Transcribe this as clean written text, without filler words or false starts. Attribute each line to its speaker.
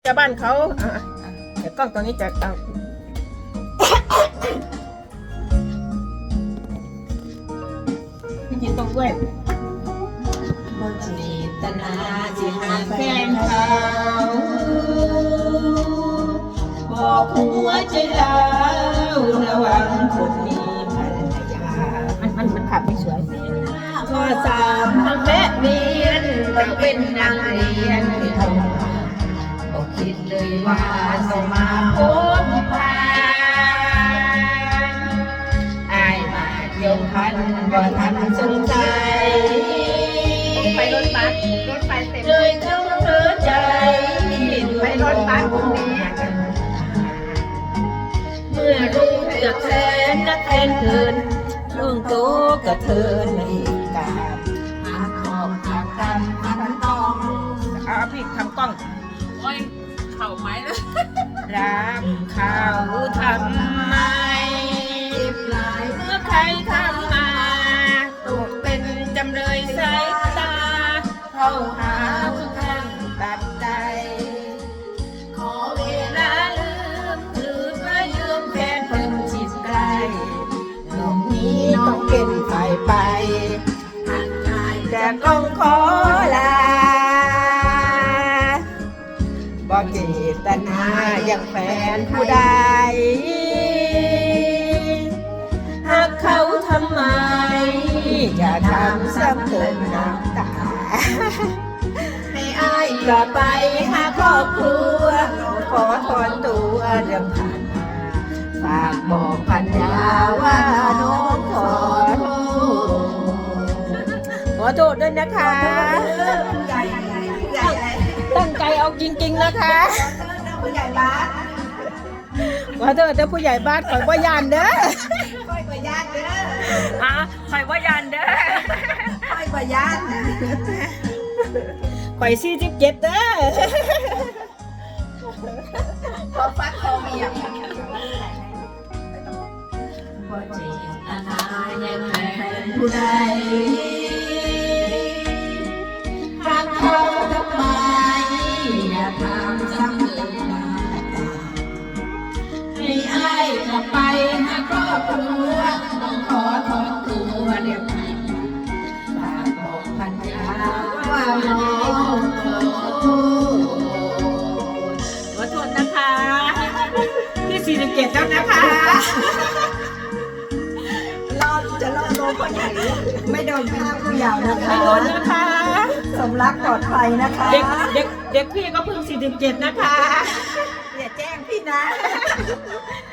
Speaker 1: จะบ้านเขาเดี๋ยวกล้องตรงนี้จะเอาพี่จินต้องด้วยบ่จิตนาสิหาแฟนเขาบอกหัวใจเราระวังคนมีภรรยามันขับไม่สวยข้อสามทั้งแม่เมียนต้องเป็นนางเรียนที่ทำบอกคิดเลยว่าต้องมาพบพานอายมาเกี่ยวพันบ่ทันสนใจไปรถบัสรถไฟเต็มเลยเท่าเธอใจไปรถบัสตรงนี้เมื่อรู้เกือบแสนนักแทนเทินช่วงโตก็เทินในการหาขอบหากรรมพันต้องเอาพี่ทำกล้อง
Speaker 2: โอ้ยเข่าไม้แล้ว
Speaker 1: รักเขาทำไมเจ็บหลายเมื่อใครทำมาตกเป็นจำเลยสายตาเข้าหาทุกครั้งตัดใจขอเวลาลืมถือเพื่อยืมแฟนเพิ่มจิตใกล้หนุ่มนี้ต้องเป็นฝ่ายไปห่างหายแต่ต้องขอลาบ่เจตนาอย่างแฟนผู้ใดหากเขาทำไมอย่าทำซ้ำเติมน้ำตาให้อายกลับไปหาครอบครัวขอถอนตัวเรื่องผ่านมาฝากบอกพันยาว่าน้องขอโทษด้วยนะคะตั้งใจเอาจริงๆนะคะผู้ใหญ่บ้านขอโทษเด้อผู้ใหญ่บ้านข่อยบ่ยานเด้อข่อยบ่ยานเด้อข่อยบ่ยานเด้อข่อยบ่ยานข่อย47เด้อพอฟัดคอเมียบ่เจตนายังแฟนผู้ใดหากเขาทำไมอย่าทำซ้ำเติมน้ำตาให้อายกลับไปหาครอบครัวต้องขอถอนตัวเดี๋ยวนี้ฝากบอกพันยาว่าน้องขอโทษนะคะที่47แล้วนะคะ
Speaker 3: จะรอดโดนพ่อใหญ่ไม่โดนฆ่าผู้เยาว์นะคะ
Speaker 1: ไม่โดนนะคะ
Speaker 3: สมรักปลอดภัยนะคะ
Speaker 1: เด็กพี่ก็เพิ่ง47นะคะ
Speaker 3: อย่าแจ้งพี่นะ